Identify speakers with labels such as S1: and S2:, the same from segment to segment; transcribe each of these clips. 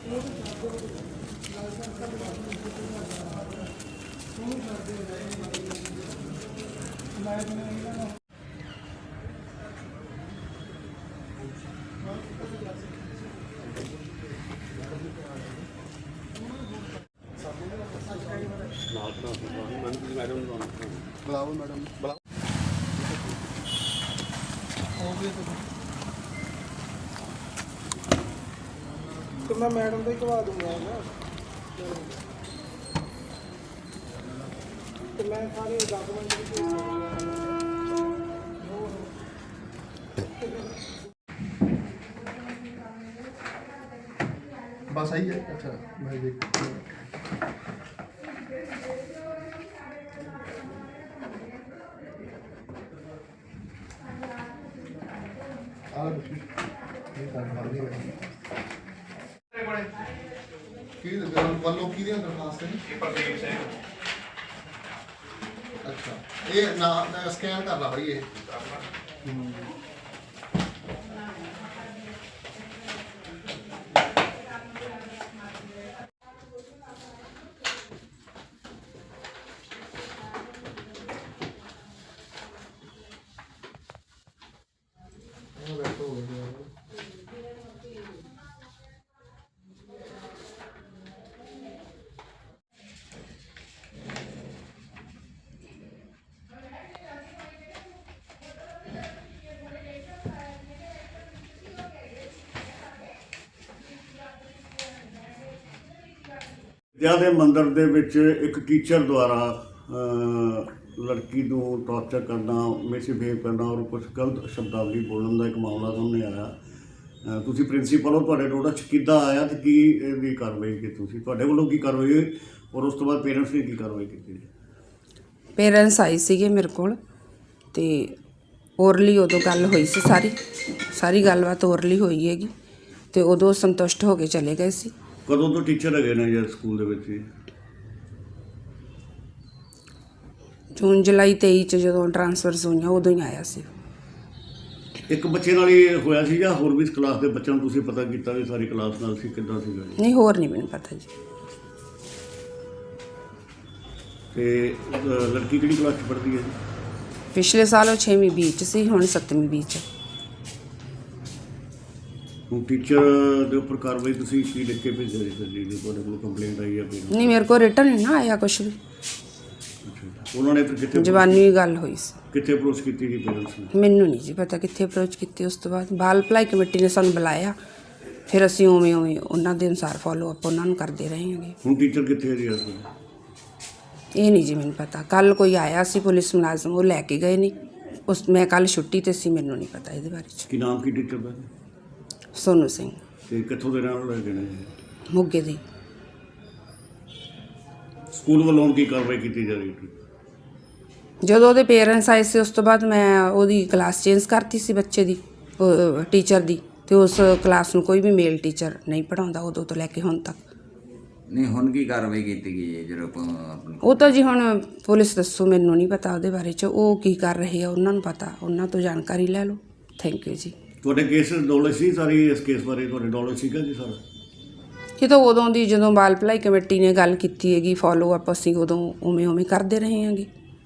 S1: बुलाओ मैडम बुलाओ तो मैं मैडम को ही करवा दूंगा ना तो मैं सारे डॉक्यूमेंट बस आई है। अच्छा मैं देख ਵੱਲੋਂ ਕਿਹਦੀਆਂ ਦਰਖਾਸਤ ਹੈ? ਪ੍ਰਦੀਪ ਸਿੰਘ। ਅੱਛਾ ਇਹ ਨਾ ਸਕੈਨ ਕਰ ਲਾ ਭਾਈ ਇਹ
S2: ਵਿਦਿਆ ਦੇ ਮੰਦਰ ਦੇ ਵਿੱਚ ਇੱਕ ਟੀਚਰ ਦੁਆਰਾ ਲੜਕੀ ਨੂੰ ਟਾਰਚਰ ਕਰਨਾ, ਮਿਸਬਿਹੇਵ ਕਰਨਾ ਔਰ ਕੁਝ ਗਲਤ ਸ਼ਬਦਾਵਲੀ ਬੋਲਣ ਦਾ ਇੱਕ ਮਾਮਲਾ ਸਾਹਮਣੇ ਆਇਆ। ਤੁਸੀਂ ਪ੍ਰਿੰਸੀਪਲ ਹੋ, ਤੁਹਾਡੇ ਨੋਟਿਸ 'ਚ ਕਿੱਦਾਂ ਆਇਆ ਤੇ ਕੀ ਇਹਦੀ ਕਾਰਵਾਈ ਕੀਤੀ ਤੁਸੀਂ? ਤੁਹਾਡੇ ਵੱਲੋਂ ਕੀ ਕਾਰਵਾਈ ਹੋਈ ਔਰ ਉਸ ਤੋਂ ਬਾਅਦ ਪੇਰੈਂਟਸ ਨੇ ਕੀ ਕਾਰਵਾਈ ਕੀਤੀ?
S3: ਪੇਰੈਂਟਸ ਆਏ ਸੀਗੇ ਮੇਰੇ ਕੋਲ ਤੇ ਓਰਲੀ ਉਦੋਂ ਗੱਲ ਹੋਈ ਸੀ, ਸਾਰੀ ਗੱਲਬਾਤ ਓਰਲੀ ਹੋਈ ਹੈਗੀ ਤੇ ਉਦੋਂ ਸੰਤੁਸ਼ਟ ਹੋ ਕੇ ਚਲੇ ਗਏ ਸੀ।
S2: ਕਦੋਂ ਤੋਂ ਟੀਚਰ ਹੈਗੇ ਨੇ ਜਾਂ ਸਕੂਲ ਦੇ ਵਿੱਚ ਹੀ?
S3: ਜੂਨ ਜੁਲਾਈ 23 ਚ ਜਦੋਂ ਟ੍ਰਾਂਸਫਰਸ ਹੋਈਆਂ ਉਦੋਂ ਹੀ ਆਇਆ ਸੀ।
S2: ਇੱਕ ਬੱਚੇ ਨਾਲ ਹੀ ਹੋਇਆ ਸੀ ਜਾਂ ਹੋਰ ਵੀ ਇਸ ਕਲਾਸ ਦੇ ਬੱਚਿਆਂ ਨੂੰ ਤੁਸੀਂ ਪਤਾ ਕੀਤਾ ਵੀ ਸਾਰੀ ਕਲਾਸ ਨਾਲ ਸੀ, ਕਿੱਦਾਂ ਸੀਗਾ?
S3: ਨਹੀਂ, ਹੋਰ ਨਹੀਂ ਮੈਨੂੰ ਪਤਾ ਜੀ।
S2: ਤੇ ਲੜਕੀ ਕਿਹੜੀ ਕਲਾਸ 'ਚ ਪੜ੍ਹਦੀ ਹੈ ਜੀ?
S3: ਪਿਛਲੇ ਸਾਲ ਉਹ 6ਵੀਂ ਬੀ 'ਚ ਸੀ, ਹੁਣ 7ਵੀਂ ਬੀ 'ਚ।
S2: ਹੁਣ ਟੀਚਰ ਦੇ ਉੱਪਰ ਕਾਰਵਾਈ ਤੁਸੀਂ ਕੀ ਲਿਖ ਕੇ ਭੇਜਿਆ ਜੀ ਫਿਰ ਜੀ ਤੁਹਾਡੇ ਕੋਲ ਕੰਪਲੇਂਟ ਆਈ ਹੈ?
S3: ਨਹੀਂ, ਮੇਰੇ ਕੋਲ ਰਿਟਨ ਨਹੀਂ ਨਾ ਆਇਆ ਕੁਛ ਵੀ।
S2: ਉਹਨਾਂ ਨੇ ਫਿਰ ਕਿੱਥੇ
S3: ਜ਼ਬਾਨੀ ਗੱਲ ਹੋਈ ਸੀ।
S2: ਕਿੱਥੇ ਅਪਰੋਚ ਕੀਤੀ ਜੀ ਪੇਰੈਂਟਸ ਨੇ?
S3: ਮੈਨੂੰ ਨਹੀਂ ਜੀ ਪਤਾ ਕਿੱਥੇ ਅਪਰੋਚ ਕੀਤੀ। ਉਸ ਤੋਂ ਬਾਅਦ ਬਾਲ ਭਲਾਈ ਕਮੇਟੀ ਨੇ ਸਾਨੂੰ ਬੁਲਾਇਆ, ਫਿਰ ਅਸੀਂ ਉਵੇਂ ਉਹਨਾਂ ਦੇ ਅਨੁਸਾਰ ਫੋਲੋ ਅਪ ਉਹਨਾਂ ਨੂੰ ਕਰਦੇ ਰਹੇ ਹਾਂਗੇ।
S2: ਹੁਣ ਟੀਚਰ ਕਿੱਥੇ ਹੈ ਜੀ ਇਸ ਵੇਲੇ?
S3: ਇਹ ਨਹੀਂ ਜੀ ਮੈਨੂੰ ਪਤਾ। ਕੱਲ੍ਹ ਕੋਈ ਆਇਆ ਸੀ ਪੁਲਿਸ ਮੁਲਾਜ਼ਮ, ਉਹ ਲੈ ਕੇ ਗਏ ਨਹੀਂ। ਮੈਂ ਕੱਲ੍ਹ ਛੁੱਟੀ 'ਤੇ ਸੀ, ਮੈਨੂੰ ਨਹੀਂ ਪਤਾ ਇਹਦੇ ਬਾਰੇ 'ਚ।
S2: ਕੀ ਨਾਮ ਕੀ ਟੀਚਰ ਦਾ?
S3: ਸੋਨੂ ਸਿੰਘ।
S2: ਤੇ ਕਿੱਥੋਂ ਦੇ ਰਹਿਣ ਵਾਲੇ ਨੇ?
S3: ਮੋਗੇ ਦੀ।
S2: ਸਕੂਲ ਵੱਲੋਂ ਕੀ ਕਾਰਵਾਈ ਕੀਤੀ ਜਾ ਰਹੀ ਹੈ?
S3: ਜਦੋਂ ਉਹਦੇ ਪੇਰੈਂਟਸ ਆਏ ਸੀ ਉਸ ਤੋਂ ਬਾਅਦ ਮੈਂ ਉਹਦੀ ਕਲਾਸ ਚੇਂਜ ਕਰਤੀ ਸੀ ਬੱਚੇ ਦੀ, ਟੀਚਰ ਦੀ, ਅਤੇ ਉਸ ਕਲਾਸ ਨੂੰ ਕੋਈ ਵੀ ਮੇਲ ਟੀਚਰ ਨਹੀਂ ਪੜ੍ਹਾਉਂਦਾ ਉਦੋਂ ਤੋਂ ਲੈ ਕੇ ਹੁਣ ਤੱਕ।
S4: ਨਹੀਂ, ਹੁਣ ਕੀ ਕਾਰਵਾਈ ਕੀਤੀ ਗਈ ਹੈ ਜਦੋਂ
S3: ਉਹ ਤਾਂ ਜੀ ਹੁਣ ਪੁਲਿਸ ਦੱਸੋ, ਮੈਨੂੰ ਨਹੀਂ ਪਤਾ ਉਹਦੇ ਬਾਰੇ 'ਚ। ਉਹ ਕੀ ਕਰ ਰਹੇ ਆ ਉਹਨਾਂ ਨੂੰ ਪਤਾ, ਉਹਨਾਂ ਤੋਂ ਜਾਣਕਾਰੀ ਲੈ ਲਓ। ਥੈਂਕ ਯੂ ਜੀ। ਤੁਹਾਡੇ
S2: ਕੇਸ ਨੌਲੇਜ ਸੀ ਸਾਰੀ? ਇਸ ਕੇਸ ਬਾਰੇ ਤੁਹਾਡੇ ਨੌਲੇਜ ਸੀਗਾ ਜੀ ਸਾਰਾ?
S3: ਇਹ ਤਾਂ ਉਦੋਂ ਦੀ ਜਦੋਂ ਬਾਲ ਭਲਾਈ ਕਮੇਟੀ ਨੇ ਗੱਲ ਕੀਤੀ ਹੈਗੀ, ਫੋਲੋ ਅਪ ਅਸੀਂ ਉਦੋਂ ਉਵੇਂ ਕਰਦੇ ਰਹੇ ਹਾਂਗੇ।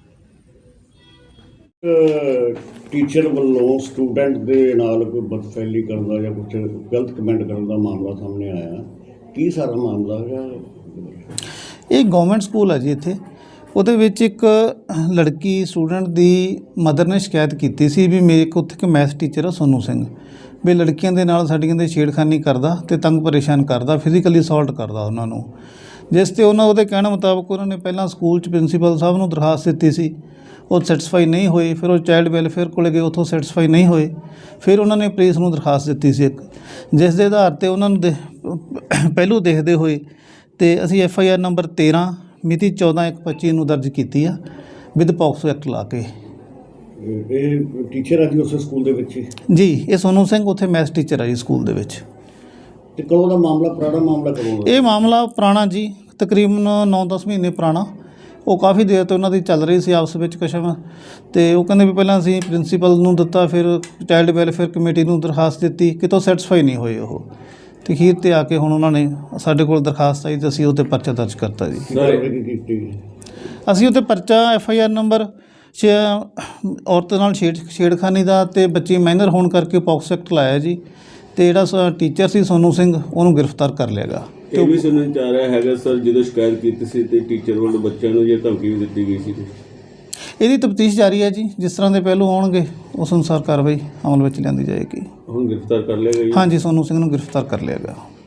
S2: ਟੀਚਰ ਵੱਲੋਂ ਸਟੂਡੈਂਟ ਦੇ ਨਾਲ ਕੋਈ ਬਦਫੈਲੀ ਕਰਨ ਦਾ ਜਾਂ ਕੁਝ ਗਲਤ ਕਮੈਂਟ ਕਰਨ ਦਾ ਮਾਮਲਾ ਸਾਹਮਣੇ ਆਇਆ, ਕੀ ਸਾਰਾ ਮਾਮਲਾ ਹੈਗਾ?
S5: ਇਹ ਗਵਰਨਮੈਂਟ ਸਕੂਲ ਹੈ ਜੀ ਇੱਥੇ। ਉਹਦੇ ਵਿੱਚ ਇੱਕ ਲੜਕੀ ਸਟੂਡੈਂਟ ਦੀ ਮਦਰ ਨੇ ਸ਼ਿਕਾਇਤ ਕੀਤੀ ਸੀ ਵੀ ਮੇਰੇ ਕੋਲ ਉੱਥੇ ਇੱਕ ਮੈਥ ਟੀਚਰ ਆ ਸੋਨੂ ਸਿੰਘ, ਵੀ ਲੜਕੀਆਂ ਦੇ ਨਾਲ ਸਾਡੀਆਂ ਦੇ ਛੇੜਖਾਨੀ ਕਰਦਾ ਅਤੇ ਤੰਗ ਪਰੇਸ਼ਾਨ ਕਰਦਾ, ਫਿਜ਼ੀਕਲੀ ਅਸੌਲਟ ਕਰਦਾ ਉਹਨਾਂ ਨੂੰ। ਜਿਸ 'ਤੇ ਉਹਦੇ ਕਹਿਣ ਮੁਤਾਬਕ ਉਹਨਾਂ ਨੇ ਪਹਿਲਾਂ ਸਕੂਲ 'ਚ ਪ੍ਰਿੰਸੀਪਲ ਸਾਹਿਬ ਨੂੰ ਦਰਖਾਸਤ ਦਿੱਤੀ ਸੀ, ਉਹ ਸੈਟਿਸਫਾਈ ਨਹੀਂ ਹੋਏ। ਫਿਰ ਉਹ ਚਾਈਲਡ ਵੈਲਫੇਅਰ ਕੋਲ ਗਏ, ਉੱਥੋਂ ਸੈਟਿਸਫਾਈ ਨਹੀਂ ਹੋਏ। ਫਿਰ ਉਹਨਾਂ ਨੇ ਪੁਲਿਸ ਨੂੰ ਦਰਖਾਸਤ ਦਿੱਤੀ ਸੀ ਇੱਕ, ਜਿਸ ਦੇ ਆਧਾਰ 'ਤੇ ਉਹਨਾਂ ਨੂੰ ਪਹਿਲੂ ਦੇਖਦੇ ਹੋਏ ਅਤੇ ਅਸੀਂ FIR ਨੰਬਰ 13 ਮਿਤੀ 14/1/25 ਨੂੰ ਦਰਜ ਕੀਤੀ ਆ ਵਿਦ ਪੌਕਸੋ ਐਕਟ ਲਾ ਕੇ।
S2: ਇਹ ਟੀਚਰ ਆ ਜੀ ਉਸ ਸਕੂਲ ਦੇ ਵਿੱਚ
S5: ਜੀ? ਇਹ ਸੋਨੂ ਸਿੰਘ ਉੱਥੇ ਮੈਥ ਟੀਚਰ ਆ ਜੀ ਸਕੂਲ ਦੇ ਵਿੱਚ।
S2: ਅਤੇ ਕਦੋਂ ਦਾ ਮਾਮਲਾ? ਪੁਰਾਣਾ ਮਾਮਲਾ ਕਦੋਂ ਦਾ?
S5: ਇਹ ਮਾਮਲਾ ਪੁਰਾਣਾ ਜੀ, ਤਕਰੀਬਨ 9-10 ਮਹੀਨੇ ਪੁਰਾਣਾ। ਉਹ ਕਾਫੀ ਦੇਰ ਤੋਂ ਉਹਨਾਂ ਦੀ ਚੱਲ ਰਹੀ ਸੀ ਆਪਸ ਵਿੱਚ ਕਸ਼ਮ, ਅਤੇ ਉਹ ਕਹਿੰਦੇ ਵੀ ਪਹਿਲਾਂ ਅਸੀਂ ਪ੍ਰਿੰਸੀਪਲ ਨੂੰ ਦਿੱਤਾ, ਫਿਰ ਚਾਈਲਡ ਵੈਲਫੇਅਰ ਕਮੇਟੀ ਨੂੰ ਦਰਖਾਸਤ ਦਿੱਤੀ, ਕਿਤੋਂ ਸੈਟਿਸਫਾਈ ਨਹੀਂ ਹੋਏ ਉਹ। ਤੇ ਅਖੀਰ ਤੇ ਆ ਕੇ ਹੁਣ ਉਹਨਾਂ ਨੇ ਸਾਡੇ ਕੋਲ ਦਰਖਾਸਤ ਆਈ ਤੇ ਅਸੀਂ ਉਹ 'ਤੇ ਪਰਚਾ ਦਰਜ ਕਰਤਾ ਜੀ।
S2: ਕਾਰਵਾਈ ਕੀਤੀ
S5: ਅਸੀਂ ਉੱਤੇ ਪਰਚਾ FIR ਨੰਬਰ ਔਰਤ ਨਾਲ ਛੇੜਖਾਨੀ ਦਾ ਤੇ ਬੱਚੀ ਮਾਈਨਰ ਹੋਣ ਕਰਕੇ ਪੌਕਸੋ ਐਕਟ ਲਾਇਆ ਜੀ। ਤੇ ਜਿਹੜਾ ਟੀਚਰ ਸੀ ਸੋਨੂ ਸਿੰਘ ਉਹਨੂੰ ਗ੍ਰਿਫਤਾਰ ਕਰ ਲਿਆ ਗਾ।
S6: ਇਹ ਵੀ ਸੁਣਨ ਚ ਆ ਰਿਹਾ ਹੈਗਾ ਸਰ, ਜਦੋਂ ਸ਼ਿਕਾਇਤ ਕੀਤੀ ਸੀ ਤੇ ਟੀਚਰ ਵੱਲੋਂ ਬੱਚਿਆਂ ਨੂੰ ਜੇ ਧਮਕੀ ਵੀ ਦਿੱਤੀ ਗਈ ਸੀ।
S5: ਇਹਦੀ ਤਫਤੀਸ਼ ਜਾਰੀ ਹੈ ਜੀ। ਜਿਸ ਤਰ੍ਹਾਂ ਦੇ ਪਹਿਲੂ ਆਉਣਗੇ ਉਸ ਅਨੁਸਾਰ ਕਾਰਵਾਈ ਅਮਲ ਵਿੱਚ ਲਿਆਂਦੀ ਜਾਏਗੀ।
S6: ਹੁਣ ਗ੍ਰਿਫਤਾਰ ਕਰ ਲਿਆ ਗਿਆ ਜੀ?
S5: ਹਾਂਜੀ, ਸੋਨੂ ਸਿੰਘ ਨੂੰ ਗ੍ਰਿਫਤਾਰ ਕਰ ਲਿਆ ਗਿਆ।